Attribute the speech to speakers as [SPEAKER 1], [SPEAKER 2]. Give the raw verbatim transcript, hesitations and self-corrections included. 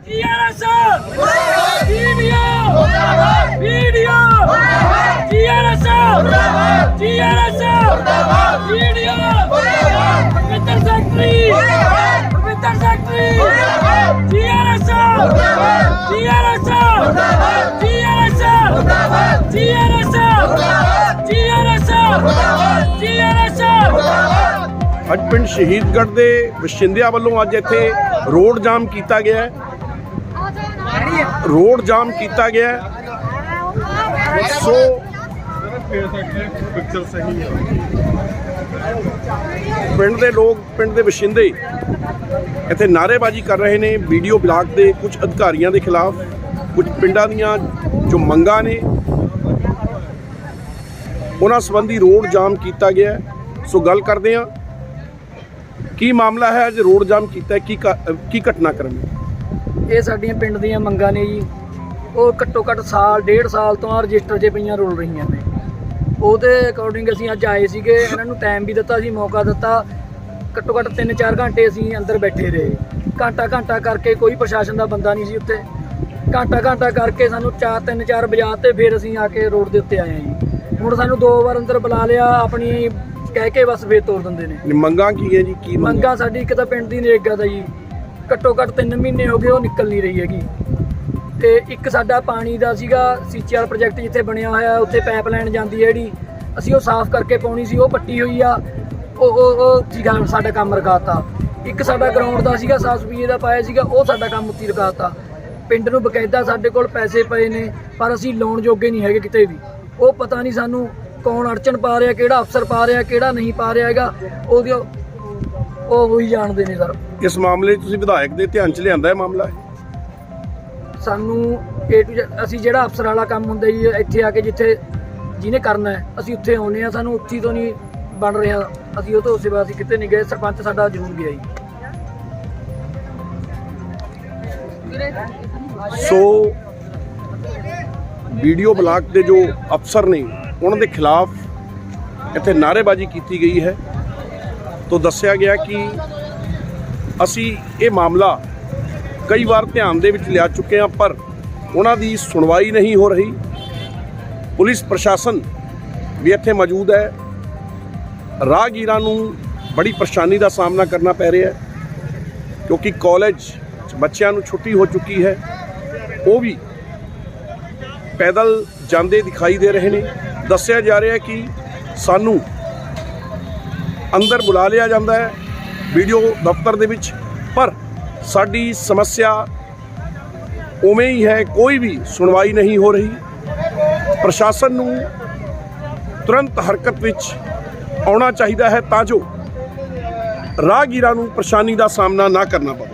[SPEAKER 1] TRS video video TRS TRS video पवित्र secretary पवित्र secretary TRS TRS TRS TRS TRS TRS
[SPEAKER 2] ਅੱਜ ਪਿੰਡ ਸ਼ਹੀਦਗੜ੍ਹ ਦੇ ਵਸਿੰਦਿਆਂ ਵੱਲੋਂ ਅੱਜ ਇੱਥੇ ਰੋਡ ਜਾਮ ਕੀਤਾ ਗਿਆ ਹੈ ਰੋਡ ਜਾਮ ਕੀਤਾ ਗਿਆ ਹੈ ਸੋ ਪਿੰਡ ਦੇ ਲੋਕ ਪਿੰਡ ਦੇ ਵਸਿੰਦੇ ਇੱਥੇ ਨਾਅਰੇਬਾਜ਼ੀ ਕਰ ਰਹੇ ਨੇ ਵੀਡੀਓ ਬਲਾਕ ਦੇ ਕੁਝ ਅਧਿਕਾਰੀਆਂ ਦੇ ਖਿਲਾਫ ਕੁਝ ਪਿੰਡਾਂ ਦੀਆਂ ਜੋ ਮੰਗਾਂ ਨੇ ਉਹਨਾਂ ਸੰਬੰਧੀ ਰੋਡ ਜਾਮ ਕੀਤਾ ਗਿਆ ਹੈ। ਸੋ ਗੱਲ ਕਰਦੇ ਹਾਂ ਕੀ ਮਾਮਲਾ ਹੈ ਅੱਜ ਰੋਡ ਜਾਮ ਕੀਤਾ ਕੀ ਕੀ ਘਟਨਾਕ੍ਰਮ ਹੈ।
[SPEAKER 3] ਇਹ ਸਾਡੀਆਂ ਪਿੰਡ ਦੀਆਂ ਮੰਗਾਂ ਨੇ ਜੀ। ਉਹ ਘੱਟੋ ਘੱਟ ਸਾਲ ਡੇਢ ਸਾਲ ਤੋਂ ਰਜਿਸਟਰ 'ਚ ਪਈਆਂ ਰੁਲ ਰਹੀਆਂ ਨੇ। ਉਹਦੇ ਅਕੋਰਡਿੰਗ ਅਸੀਂ ਅੱਜ ਆਏ ਸੀਗੇ। ਇਹਨਾਂ ਨੂੰ ਟਾਈਮ ਵੀ ਦਿੱਤਾ ਸੀ, ਮੌਕਾ ਦਿੱਤਾ। ਘੱਟੋ ਘੱਟ ਤਿੰਨ ਚਾਰ ਘੰਟੇ ਅਸੀਂ ਅੰਦਰ ਬੈਠੇ ਰਹੇ। ਘੰਟਾ ਘੰਟਾ ਕਰਕੇ ਕੋਈ ਪ੍ਰਸ਼ਾਸਨ ਦਾ ਬੰਦਾ ਨਹੀਂ ਸੀ ਉੱਤੇ। ਘੰਟਾ ਘੰਟਾ ਕਰਕੇ ਸਾਨੂੰ ਚਾਰ ਤਿੰਨ ਚਾਰ ਵਜਾ ਤੇ ਫਿਰ ਅਸੀਂ ਆ ਕੇ ਰੋਡ ਦੇ ਉੱਤੇ ਆਏ ਹਾਂ ਜੀ। ਹੁਣ ਸਾਨੂੰ ਦੋ ਵਾਰ ਅੰਦਰ ਬੁਲਾ ਲਿਆ, ਆਪਣੀ ਕਹਿ ਕੇ ਬਸ ਫੇਰ ਤੋੜ ਦਿੰਦੇ ਨੇ।
[SPEAKER 2] ਮੰਗਾਂ ਕੀ ਹੈ ਜੀ? ਕੀ
[SPEAKER 3] ਮੰਗਾਂ ਸਾਡੀ ਇੱਕ ਤਾਂ ਪਿੰਡ ਦੀ ਨਰੇਗਾ ਦਾ ਜੀ ਘੱਟੋ ਘੱਟ ਤਿੰਨ ਮਹੀਨੇ ਹੋ ਗਏ ਉਹ ਨਿਕਲ ਨਹੀਂ ਰਹੀ ਹੈਗੀ। ਤੇ ਇੱਕ ਸਾਡਾ ਪਾਣੀ ਦਾ ਸੀਗਾ ਸੀਚੇ ਵਾਲਾ ਪ੍ਰੋਜੈਕਟ ਜਿੱਥੇ ਬਣਿਆ ਹੋਇਆ ਉੱਥੇ ਪਾਈਪਲਾਈਨ ਜਾਂਦੀ ਹੈ ਜਿਹੜੀ ਅਸੀਂ ਉਹ ਸਾਫ਼ ਕਰਕੇ ਪਾਉਣੀ ਸੀ, ਉਹ ਪੱਟੀ ਹੋਈ ਆ। ਉਹ ਉਹ ਸੀਗਾ ਸਾਡਾ ਕੰਮ ਰਕਾਤਾ। ਇੱਕ ਸਾਡਾ ਗਰਾਊਂਡ ਦਾ ਸੀਗਾ ਸੌ ਰੁਪਏ ਦਾ ਪਾਇਆ ਸੀਗਾ, ਉਹ ਸਾਡਾ ਕੰਮ ਉੱਤੀ ਰਕਾਤਾ। ਪਿੰਡ ਨੂੰ ਬਕਾਇਦਾ ਸਾਡੇ ਕੋਲ ਪੈਸੇ ਪਏ ਨੇ ਪਰ ਅਸੀਂ ਲਾਉਣ ਜੋਗੇ ਨਹੀਂ ਹੈਗੇ ਕਿਤੇ ਵੀ। ਉਹ ਪਤਾ ਨਹੀਂ ਸਾਨੂੰ ਕੌਣ ਅੜਚਣ ਪਾ ਰਿਹਾ, ਕਿਹੜਾ ਅਫਸਰ ਪਾ ਰਿਹਾ, ਕਿਹੜਾ ਨਹੀਂ ਪਾ ਰਿਹਾ ਹੈਗਾ। ਉਹਦੀ ਉਹ ਉਹੀ ਜਾਣਦੇ ਨੇ ਸਰ।
[SPEAKER 2] ਇਸ ਮਾਮਲੇ 'ਚ ਤੁਸੀਂ ਵਿਧਾਇਕ ਦੇ ਧਿਆਨ 'ਚ ਲਿਆਂਦਾ ਹੈ ਮਾਮਲਾ?
[SPEAKER 3] ਸਾਨੂੰ ਏ ਟੂ ਜ਼ੈਡ ਅਸੀਂ ਜਿਹੜਾ ਅਫਸਰ ਵਾਲਾ ਕੰਮ ਹੁੰਦਾ ਜੀ ਇੱਥੇ ਆ ਕੇ ਜਿੱਥੇ ਜਿਹਨੇ ਕਰਨਾ ਹੈ ਅਸੀਂ ਉੱਥੇ ਆਉਂਦੇ ਹਾਂ। ਸਾਨੂੰ ਉੱਥੀ ਤੋਂ ਨਹੀਂ ਬਣ ਰਿਹਾ, ਅਸੀਂ ਉਹ ਤੋਂ ਸਿਵਾ ਅਸੀਂ ਕਿਤੇ ਨਹੀਂ ਗਏ। ਸਰਪੰਚ ਸਾਡਾ ਜ਼ਰੂਰ ਗਿਆ ਜੀ।
[SPEAKER 2] ਸੋ ਵੀਡੀਓ ਬਲਾਕ ਦੇ ਜੋ ਅਫਸਰ ਨੇ ਉਹਨਾਂ ਦੇ ਖਿਲਾਫ ਇੱਥੇ ਨਾਅਰੇਬਾਜ਼ੀ ਕੀਤੀ ਗਈ ਹੈ। ਤੋਂ ਦੱਸਿਆ ਗਿਆ ਕਿ ਅਸੀਂ ਇਹ ਮਾਮਲਾ ਕਈ ਵਾਰ ਧਿਆਨ ਦੇ ਵਿੱਚ ਲਿਆ ਚੁੱਕੇ ਹਾਂ ਪਰ ਉਹਨਾਂ ਦੀ ਸੁਣਵਾਈ ਨਹੀਂ ਹੋ ਰਹੀ। ਪੁਲਿਸ ਪ੍ਰਸ਼ਾਸਨ ਵੀ ਇੱਥੇ ਮੌਜੂਦ ਹੈ। ਰਾਹਗੀਰਾਂ ਨੂੰ ਬੜੀ ਪਰੇਸ਼ਾਨੀ ਦਾ ਸਾਹਮਣਾ ਕਰਨਾ ਪੈ ਰਿਹਾ ਹੈ ਕਿਉਂਕਿ ਕਾਲਜ 'ਚ ਬੱਚਿਆਂ ਨੂੰ ਛੁੱਟੀ ਹੋ ਚੁੱਕੀ ਹੈ। ਉਹ ਵੀ ਪੈਦਲ ਜਾਂਦੇ ਦਿਖਾਈ ਦੇ ਰਹੇ ਨੇ। ਦੱਸਿਆ ਜਾ ਰਿਹਾ ਕਿ ਸਾਨੂੰ ਅੰਦਰ ਬੁਲਾ ਲਿਆ ਜਾਂਦਾ ਹੈ ਵੀਡੀਓ ਦਫ਼ਤਰ ਦੇ ਵਿੱਚ ਪਰ ਸਾਡੀ ਸਮੱਸਿਆ ਉਵੇਂ ਹੀ ਹੈ, ਕੋਈ ਵੀ ਸੁਣਵਾਈ ਨਹੀਂ ਹੋ ਰਹੀ। ਪ੍ਰਸ਼ਾਸਨ ਨੂੰ ਤੁਰੰਤ ਹਰਕਤ ਵਿੱਚ ਆਉਣਾ ਚਾਹੀਦਾ ਹੈ ਤਾਂ ਜੋ ਰਾਹਗੀਰਾਂ ਨੂੰ ਪਰੇਸ਼ਾਨੀ ਦਾ ਸਾਹਮਣਾ ਨਾ ਕਰਨਾ ਪਵੇ।